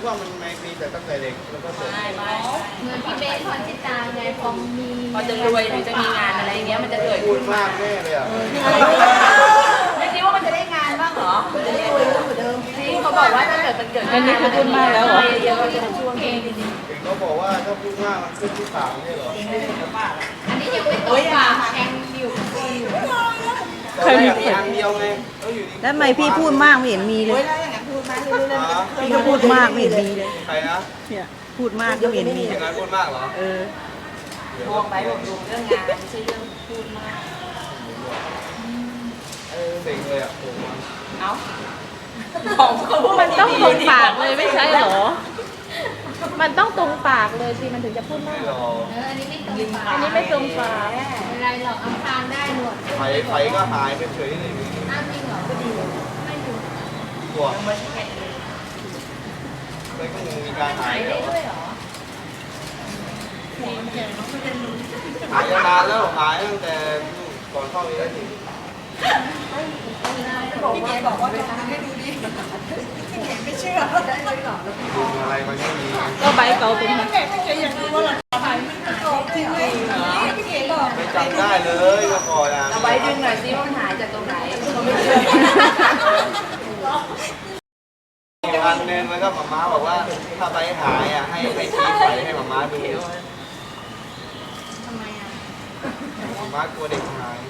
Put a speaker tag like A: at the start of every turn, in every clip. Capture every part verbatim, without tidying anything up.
A: ว่ามันไม่มีแต่ตั้งแต่เด็กแล้วก็ส่ง
B: ไม่ไม่
C: เหมือนพี่เบสพรชิตาไงพอมี
B: พอจะรวยหรือจะมีงานอะไรอย่างเงี้ยมันจะเกิด
A: พู
B: ขึ้
A: ด
B: น
A: มากแน่เลยอ่ะ
B: ไม่คิดว่ามันจะได้งานบ้างเหรอมันจะได้รวยเหมือนเดิมที่เขาบอกว่าถ้าเกิดมันเกิดขึ้นมันจะพูดมากแล้วเหรอเยอะๆจะช่วงเองจริง
A: เด็กเขาบอกว่าถ้าพูดมากมันขึ้นที่ปากไม่ใช่เหรอ
C: อันนี้ยังไม่ตกปากแทงอยู่อยู่
A: เคยมีอันเดียวไงแล้วอยู่ดี
D: แล้วทำไมพี่พูดมากไม่เห็นมีเลย พี่ก็พูดมากไม่เห็นมีเลย
A: ใครนะ
D: เนี่ยพูดมากก็ไม่เห็นมี
A: อย่างนั้นพูดมากเหรอ
D: เออ
B: มองไปบอกดูเรื่องงานไม่ใช่เรื่องพูดมาก
A: เซ็งเลยอ่ะโอ้โห
B: เอ้าของเขาพูด
E: มันต้องตรงปากเลยไม่ใช่เหรอ มันต้องตรงปากเลยสิมันถึงจะพูด
A: ไม่
E: มาก
A: หรอก
C: เอออันนี้ไม่ตรงปาก
E: อันนี้ไม่ตรงปาก
C: ไม่เป็นไรหรอกอำพรางได้หนวด
A: ไฟไฟก็หายไปเฉยเลย
C: อ้าวจริงเหรอไม่อยู่
A: ตัวไม่ก็มีการหาย
C: ได้
A: แล้ว
C: ด้วยเหรอ
A: หายนานแล้วหายตั้งแต่ก่อนเข้าเรียน
B: พี่เก๋บอกว่าจะทำให้ดูดิพี่เก๋ไม่เชื่อได้เลยหรอ
A: ดูอะไรมันไม่มี
E: ก็ใบเก่าเป็น
B: พี่เก๋ไม่เก๋อยากรู้ว่าเราถ่ายมันกรอบจริงไหมพี่เก๋บอก
A: ไม่จำได้เลยเมื่อก่อนอ่ะ
B: เอาไว้ดึงหน่อยซิว่ามันหายจากตรงไหนเขาไม่เชื่อ
A: อีกอันนึงแล้วก็หมาม้าบอกว่าถ้าใบหายอ่ะให้ให้ชี้ไฟให้หมาม้าดู
C: ทำไมอ่ะ
A: หมาม้ากลัวเด็กหาย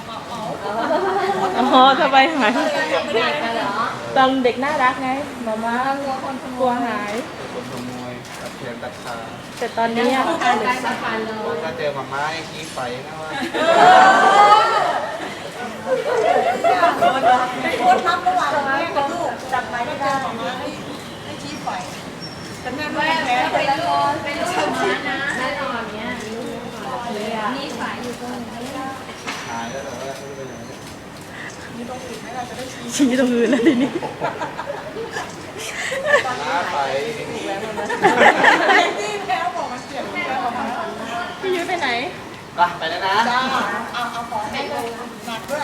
E: อ๋อทำไมหาย
C: เด็กกันเหรอ
E: ตอนเด็กน่ารักไงมาม่าก
C: ลัวคนขโม
E: กลัวย หาย
A: คนขโมยตัดแขนตัดขา
E: แต่ตอนนี้อะ
C: การได้มาฟันเลย
A: ถ้าเจอหมาม้าให้ชี้ไฟนะว่า
B: โคตรทับระหว่างแม่กับลูกจับไม้ไม่ได้ให้ชี้ไฟแต่แม่ไม่
C: แม่
B: แพ้
C: เป็นลูกเป็นลูกของม้านะแน่นอนเนี้ยมีสายอยู่ตรงนี้
A: หายแล้วแต่ว่าไม่รู้ไปไหน
D: ชี้ตรงอื่นแล้วทีนี้
A: ม้าไป
B: ที่แพ้บอกมันเสียงแพ้บอกมา
E: พี่ยุ้ยไปไหน
A: ไปไปแล้วนะ